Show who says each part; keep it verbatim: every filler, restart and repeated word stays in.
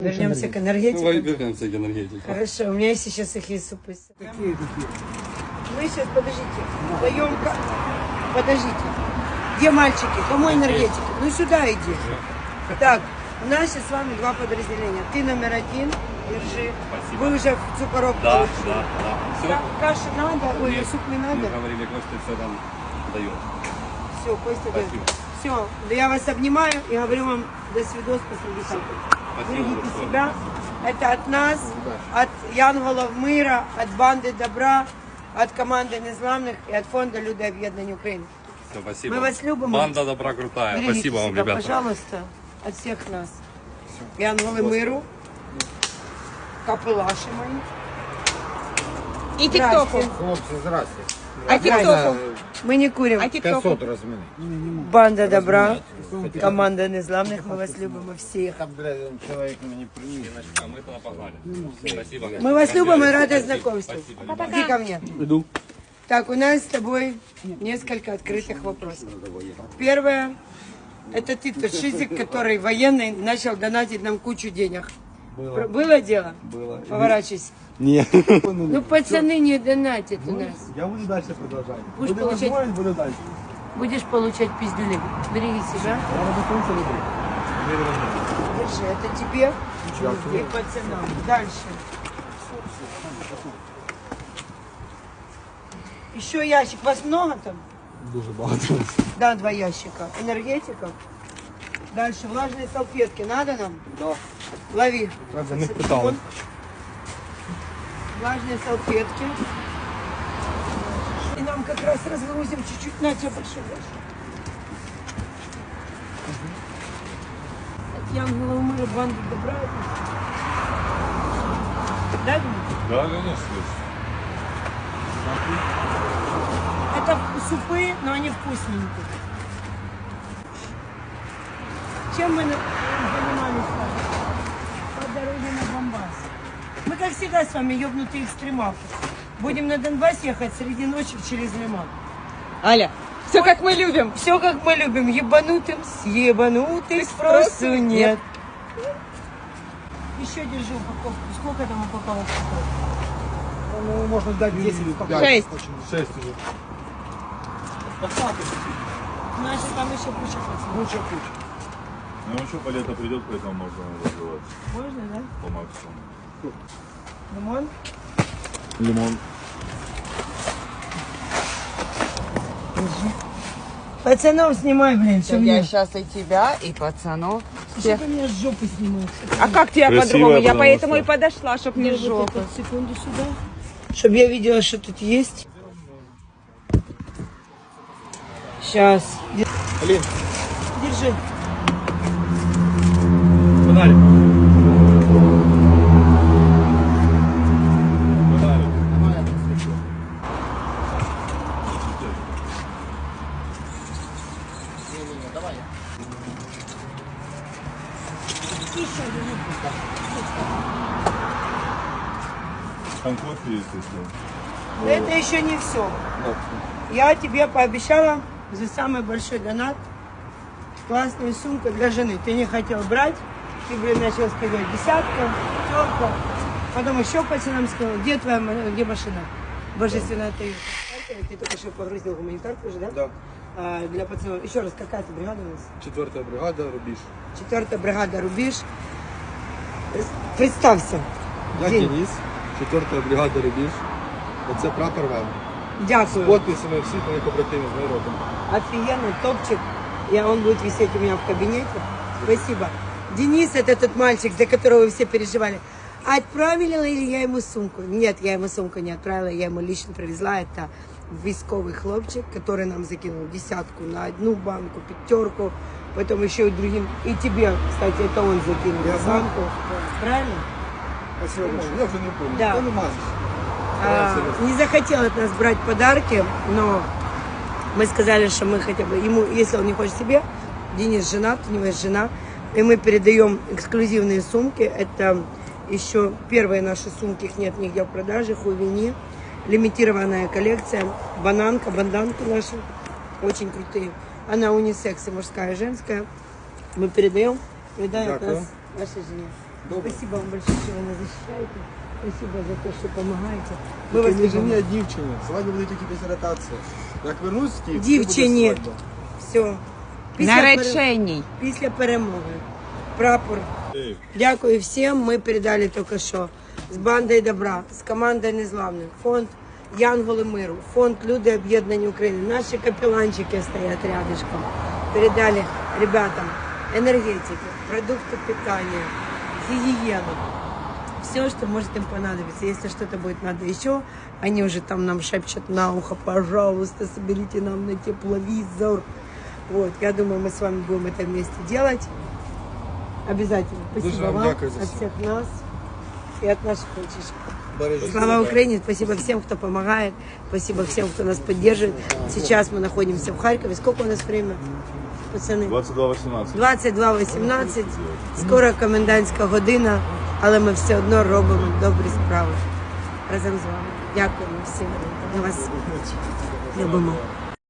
Speaker 1: Вернемся к энергетике.
Speaker 2: Давай вернемся к энергетике.
Speaker 1: Хорошо, у меня есть сейчас сухие супы.
Speaker 3: Какие какие?
Speaker 1: Мы сейчас, подождите, даем... Подождите. Где мальчики? Кому энергетики? Ну сюда иди. Так, у нас сейчас с вами два подразделения. Ты номер один, держи.
Speaker 2: Спасибо.
Speaker 1: Вы уже в цукорок
Speaker 2: Да,
Speaker 1: получили.
Speaker 2: да, да. Все.
Speaker 1: Ка- Каши надо? Ой,
Speaker 2: Нет,
Speaker 1: суп не надо?
Speaker 2: Мы говорили, Костя все там дает.
Speaker 1: Все, Костя дает.
Speaker 2: Спасибо.
Speaker 1: Все, да я вас обнимаю и говорю вам до свидос посреди хаты. Берегите
Speaker 2: большое.
Speaker 1: себя. Это от нас, от Янголов мира, от банды добра, от команды Незламных и от фонда Люди об'єднання України.
Speaker 2: Все, спасибо.
Speaker 1: Мы вас любим.
Speaker 2: Банда добра крутая.
Speaker 1: Берегите
Speaker 2: Спасибо вам,
Speaker 1: себя,
Speaker 2: ребята.
Speaker 1: пожалуйста, от всех нас. Янголы миру, капелаши мои.
Speaker 4: И тиктоку.
Speaker 3: Хлопці, здрасте.
Speaker 4: А тиктоку?
Speaker 1: Мы не курим.
Speaker 4: А тиктоку?
Speaker 3: п'ятсот розміни.
Speaker 1: Банда добра, команда Незламных, мы вас любим всех.
Speaker 3: Там, блядь, чоловік мені приніс.
Speaker 2: А мы туда погнали. Спасибо.
Speaker 1: Мы вас любим и рады знакомству. Иди ко мне.
Speaker 2: Иду.
Speaker 1: Так, у нас с тобой несколько открытых вопросов. Первое, это ты тот шизик, который военный начал донатить нам кучу денег. Было, Было дело?
Speaker 5: Было.
Speaker 1: Поворачивайся.
Speaker 5: Нет.
Speaker 1: Ну, пацаны не донатят у нас.
Speaker 5: Я буду дальше продолжать.
Speaker 1: Будешь
Speaker 5: Буду
Speaker 1: получать-
Speaker 5: возможность, буду дальше.
Speaker 1: Будешь получать пиздюли. Береги себя.
Speaker 5: Я на конце люблю.
Speaker 1: Держи, это тебе и пацанам. Дальше. Еще ящик. Вас много там?
Speaker 5: Дуже багато.
Speaker 1: Да, два ящика. Энергетика. Дальше влажные салфетки. Надо нам?
Speaker 5: Да.
Speaker 1: Лови.
Speaker 5: Правда, не питали.
Speaker 1: Влажные салфетки. И нам как раз разгрузим чуть-чуть. На тебя большой большой. От Янгола мира банды добра. Да, Дима?
Speaker 2: Да, конечно.
Speaker 1: Это супы, но они вкусненькие. Чем мы на- занимались с вами? По дороге на Донбасс. Мы, как всегда, с вами ёбнутые экстремалы. Будем на Донбасс ехать среди ночи через Лиман.
Speaker 4: Аля, все как мы любим.
Speaker 1: Все, как мы любим. Ебанутым с ебанутых спросу нет. Еще держи упаковку. Сколько там упаковок?
Speaker 5: Ну, можно дать десять.
Speaker 4: Шесть.
Speaker 5: Шесть уже.
Speaker 1: Значит, там еще куча пацанов.
Speaker 5: Куча, куча.
Speaker 6: Ну еще по лето придет, поэтому можно развивать
Speaker 1: Можно, да?
Speaker 6: по максимуму.
Speaker 1: Лимон?
Speaker 6: Лимон.
Speaker 1: Пацанов снимай, блин, что
Speaker 4: Я
Speaker 1: мне?
Speaker 4: сейчас и тебя, и пацанов.
Speaker 1: Что ты меня с жопы снимаешь?
Speaker 4: А как тебя
Speaker 6: Красивая,
Speaker 4: по-другому? Я
Speaker 6: потому
Speaker 4: поэтому
Speaker 6: что-
Speaker 4: и подошла, чтоб не
Speaker 1: Вот
Speaker 4: жопа.
Speaker 1: это, секунду сюда. Чтобы я видела, что тут есть. Сейчас.
Speaker 5: Алин,
Speaker 1: Держи.
Speaker 5: фонарик.
Speaker 6: Там кофе есть, если...
Speaker 1: Но это еще не все. Я тебе пообещала за самый большой донат классную сумку для жены. Ты не хотел брать, ты, блин, начал сказать десятка, пятерка. Потом еще пацанам сказал, где твоя ма- где машина? Божественная ты. Ты только что погрузил гуманитарку уже, да?
Speaker 5: Да.
Speaker 1: А, для пацанов. Еще раз, какая ты бригада у нас?
Speaker 5: Четвертая бригада, рубеж.
Speaker 1: Четвертая бригада «Рубіж». Представься.
Speaker 5: Я
Speaker 1: День.
Speaker 5: Денис, четвертая бригада рубеж. Оце прапор вам.
Speaker 1: Дякую.
Speaker 5: Подписами всіх моїх побратимів з народом.
Speaker 1: Офигенный топчик. И он будет висеть у меня в кабинете. Спасибо. Денис, это тот мальчик, за которого вы все переживали. Отправила ли я ему сумку? Нет, я ему сумку не отправила, я ему лично привезла. Это військовый хлопчик, который нам закинул десятку на одну банку, пятерку, потом еще и другим. И тебе, кстати, это он закинул
Speaker 5: Я знаю.
Speaker 1: банку. Правильно?
Speaker 5: А сьогодні що? Я вже не помню.
Speaker 1: Да.
Speaker 5: Я не маю.
Speaker 1: А, не захотел от нас брать подарки, но мы сказали, что мы хотя бы ему, если он не хочет себе, Денис женат, у него есть жена, и мы передаем эксклюзивные сумки. Это еще первые наши сумки, их нет нигде в продаже, Хувини, лимитированная коллекция, бананка, банданки наши, очень крутые. Она унисекс, и мужская, и женская. Мы передаем, передаем от
Speaker 5: Дякую.
Speaker 1: нас вашей жене. Спасибо вам большое, что вы нас защищаете. Спасибо за то, что помогаете. Мы вас
Speaker 5: Тільки не
Speaker 1: любимо.
Speaker 5: жені, а дівчині. Свадьба буде тільки після ротації. Як вернусь з Києва,
Speaker 1: Дівчині.
Speaker 5: буде свадьба.
Speaker 1: Все. Після, пере-
Speaker 4: Наречений.
Speaker 1: після перемоги. Прапор. Дякую всім. Ми передали тільки що з бандою добра, з командою незламних. Фонд Янголи миру, фонд Люди об'єднані України. Наші капеланчики стоять рядышком. Передали ребятам энергетики, продукты питания, гигиену. Все, что может им понадобиться. Если что-то будет надо еще, они уже там нам шепчут на ухо, пожалуйста, соберите нам на тепловизор. Вот, я думаю, мы с вами будем это вместе делать. Обязательно. Спасибо
Speaker 5: Дуже вам
Speaker 1: вам
Speaker 5: дякую за
Speaker 1: от
Speaker 5: все.
Speaker 1: всех нас и от наших мальчишек.
Speaker 5: Бережіть
Speaker 1: Слава
Speaker 5: себе.
Speaker 1: Украине! Спасибо всем, кто помогает. Спасибо всем, кто нас поддерживает. Сейчас мы находимся в Харькове. Сколько у нас время, пацаны?
Speaker 6: двадцать два восемнадцать.
Speaker 1: двадцять два вісімнадцять. Скоро комендантська година, але ми все одно робимо добрі справи разом з вами. Дякуємо всім. Ми вас любимо.